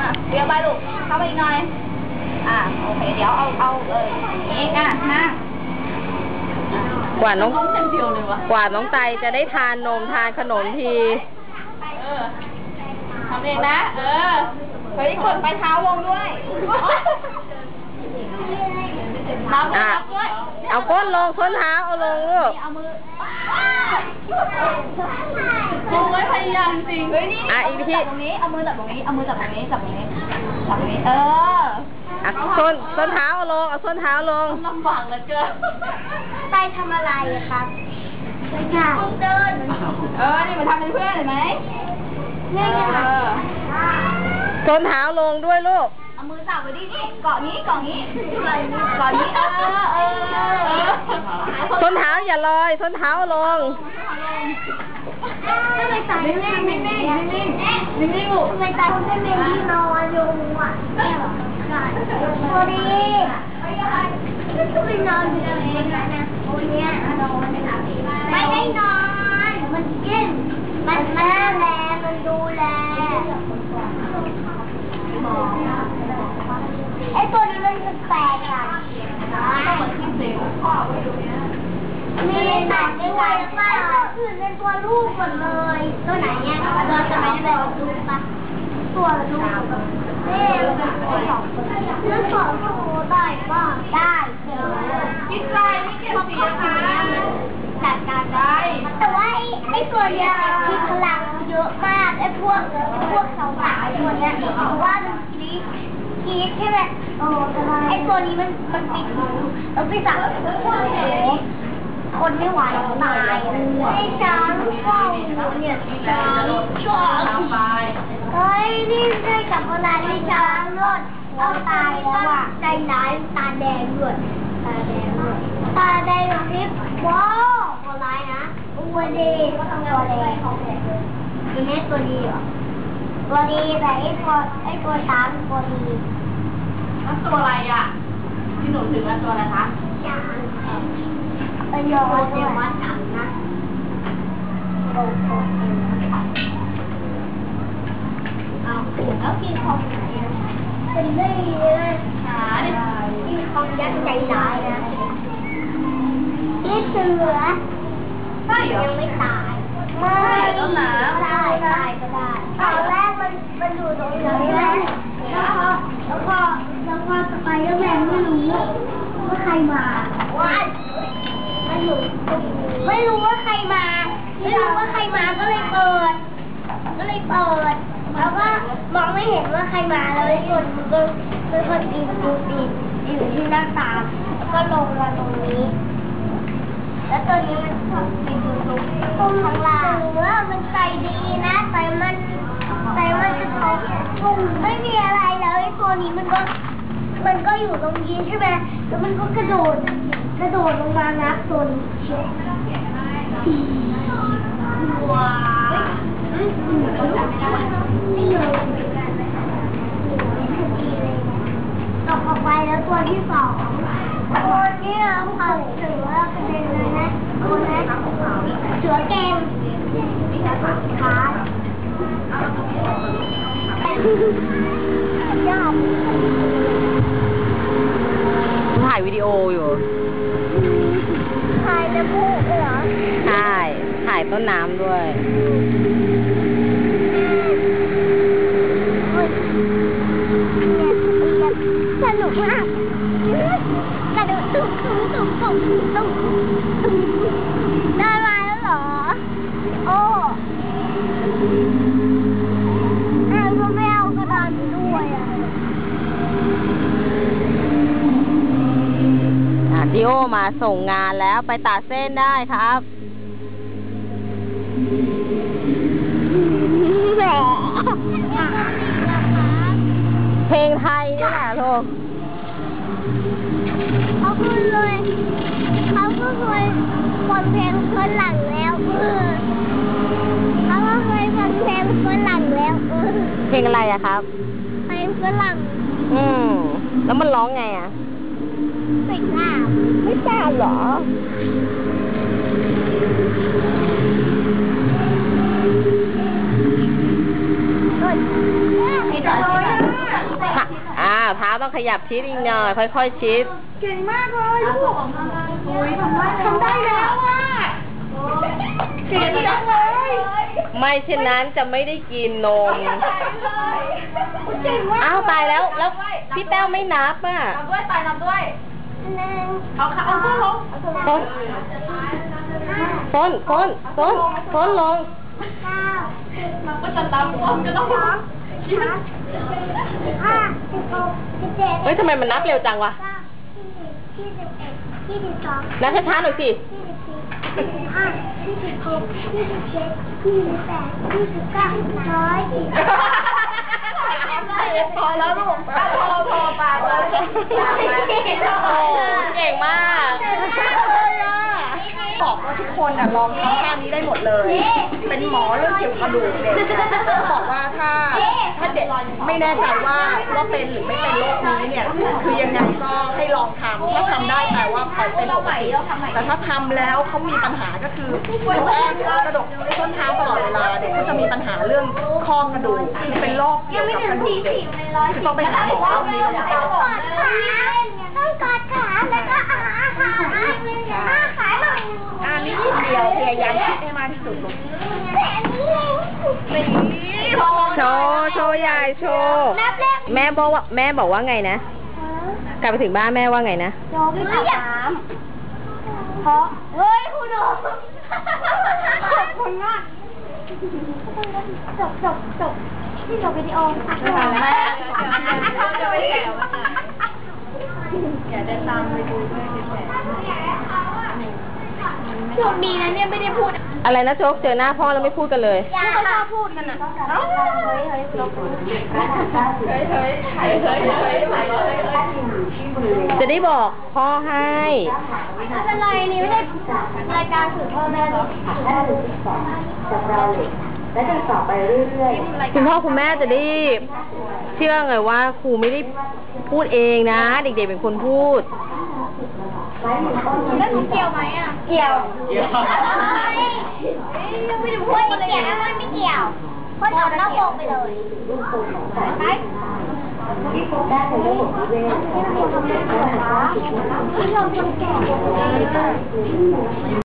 เดี๋ยวไปลูกเข้าไปอีกหน่อยโอเคเดี๋ยวเอานี่นั่งกว่าน้องไตจะได้ทานนมทานขนมทีทำเองนะเฮ้ยกดไปเท้าลงด้วยเอาก้นลงส้นเท้าเอาลงลูกเอามือโอ้ยพยายามจริงเฮ้ยนี่อีกทีตรงนี้เอามือจับตรงนี้เอามือจับตรงนี้จับตรงนี้ส้นเท้าเอาลงเอาส้นเท้าลงลำบากเหลือเกินไปทำอะไรครับไปเดินนี่มาทำเป็นเพื่อนเห็นไหมนี่ค่ะส้นเท้าลงด้วยลูกเอามือจับไว้ดินี่เกาะนี้ส้นเท้าอย่าลอยส้นเท้าลงทำไมตาไม่นิ่งลูกทำไมตาไม่เป็นที่นอนอยู่พอดีก็ไปนอนอยู่ตรงนี้นะโอ้ยเนี่ยนอนไม่ได้นอนมันกินมันแม่แลมันดูแลไอ้ตัวนี้มันแปลกอ่ะมีหนังด้วยว่าอื่นเป็นตัวลูกหมดเลยตัวไหนเนี่ยเราจะไม่ได้ดูปะตัวลูกแล้วสอนตัวได้บ้างได้พี่ใจไม่เกี่ยวเสียค่ะจัดการได้แต่ว่าไอ้ตัวเนี้ยมีพลังเยอะมากไอ้พวกสาวๆตัวเนี้ยเพราะว่ามันกีดใช่ไหมไอ้ตัวนี้มันปิดหูแล้วไปสั่งคนไม่ไหวตายไอ้ช้างเฝ้าเนี่ยช้างเฮ้ยนี่ได้กับเวลาที่ช้างรอดเอาตายแล้วอ่ะใจร้ายตาแดงด้วยตาแดงแบบนี้ว้าวตัวร้ายนะตัวดีตัวแดงคือแม่ตัวดีเหรอตัวดีแต่ไอ้ตัวช้างตัวดีแล้วตัวอะไรอ่ะที่หนูถึงแล้วตัวอะไรคะช้างเป็นยอดเดียววัดถังนะโอ้โหแล้วกินของไหนเป็นได้เลยกินของยักษ์ใจร้ายนะนี่เสือใช่เหรอยังไม่ตายไม่ต้นหนาตายก็ได้ตอนแรกมันอยู่ตรงนี้แล้วก็สไปเดอร์แมนไม่รู้ว่าใครมาไม่รู้ว่าใครมาก็เลยเปิดแล้วก็มองไม่เห็นว่าใครมาเลยคนเป็นคนปีนอยู่ที่หน้าต่างแล้วก็ลงมาตรงนี้แล้วตัวนี้มันชอบไปดูตรงข้างล่างว่ามันใจดีนะแต่มันจะท้องไม่มีอะไรเลยตัวนี้มันก็อยู่ตรงนี้ใช่ไหมแล้วมันก็กระโดดลงมางับตัวนี้ว้าวนี่เลยตกออกไปแล้วตัวที่สองตัวนี้เขาเสือกระเด็นเลยนะตัวนี้เสือเกมขาย่าถ่ายวิดีโออยู่ถ่ายน้ำพุเหรอใช่ถ่ายต้นน้ำด้วยสนุกมากกระโดดตุ้มได้มาแล้วเหรอโอ้ก็ไม่เอากระดานด้วยดิโอมาส่งงานแล้วไปตัดเส้นได้ครับเพลงไทยนี่แหละลูกเขาก็เคยฟังเพลงคนหลังแล้วเขาก็เคยฟังเพลงคนหลังแล้วเพลงอะไรอะครับเพลงคนหลังแล้วมันร้องไงอะไม่ทราบเหรอไอ้ตัวต้องขยับชิดอีกหน่อยค่อยๆชิดเก่งมากเลยลูกทำได้แล้วอ่ะเก่งจังเลยไม่เช่นนั้นจะไม่ได้กินนมเก่งมากอ้าวตายแล้วพี่แต้วไม่นับอ่ะนับด้วยตายนับด้วยหนึ่งเอาตัวลงฟ้นลงเก้ามันก็จะนับพร้อมก็ต้องนับห้า16 17 เฮ้ยทำไมมันนับเร็วจังวะ 21 22 นับช้าๆหน่อยสิ 24 25 26 27 28 29 พอแล้วลูกพอปากเลยโอ้เก่งมากบอกว่าทุกคนลองทำท่านี้ได้หมดเลย เป็นหมอเรื่องเกี่ยวกับกระดูกเด็กบอกว่าถ้าเด็กไม่แน่ใจว่าเป็นหรือไม่เป็นโรคนี้เนี่ย คือยังไงก็ให้ลองทำถ้าทำได้แปลว่าเขาเป็นปกติแต่ถ้าทำแล้วเขามีปัญหาก็คือแรกกระดูกส้นเท้าตลอดเวลาเด็กก็จะมีปัญหาเรื่องข้อกระดูกคือเป็นโรคเกี่ยวกับกระดูกเด็กคือต้องไปหาหมอเรื่องนี้เลยต้องกอดขาแล้วก็อาขาขาหน่อยอันนี้นิดเดียวพยายามคิดให้มากที่สุดลูกแต่อันนี้เร็วโชว์ยายโชว์นับแรกแม่บอกว่าไงนะ กลับไปถึงบ้านแม่ว่าไงนะโยมไม่อยากเพราะเฮ้ยคุณโดขอบคุณมากจบที่จบวิดีโอค่ะแม่จะไปแกะอย่าได้ตามไปดูด้วยโชคดีนะเนี่ยไม่ได้พูดอะไรนะโจ๊กเจอหน้าพ่อแล้วไม่พูดกันเลยไม่ชอบพูดกันอ่ะเฮ้ยเราพูดจะได้บอกพ่อให้ไม่เป็นไรนี่ไม่ได้รายการสื่อพ่อแม่หรอกคุณพ่อคุณแม่จะได้เชื่อไงว่าครูไม่ได้พูดเองนะ เด็กๆเป็นคนพูดแล้วหนูเกี่ยวไหมอ่ะเกี่ยวไม่ได้พูดไม่เกี่ยวมันไม่เกี่ยวเพราะตอบนอกวงไปเลยไปที่พบได้ในระบบนิเวศที่เราทำได้เหรอที่เราทำแก่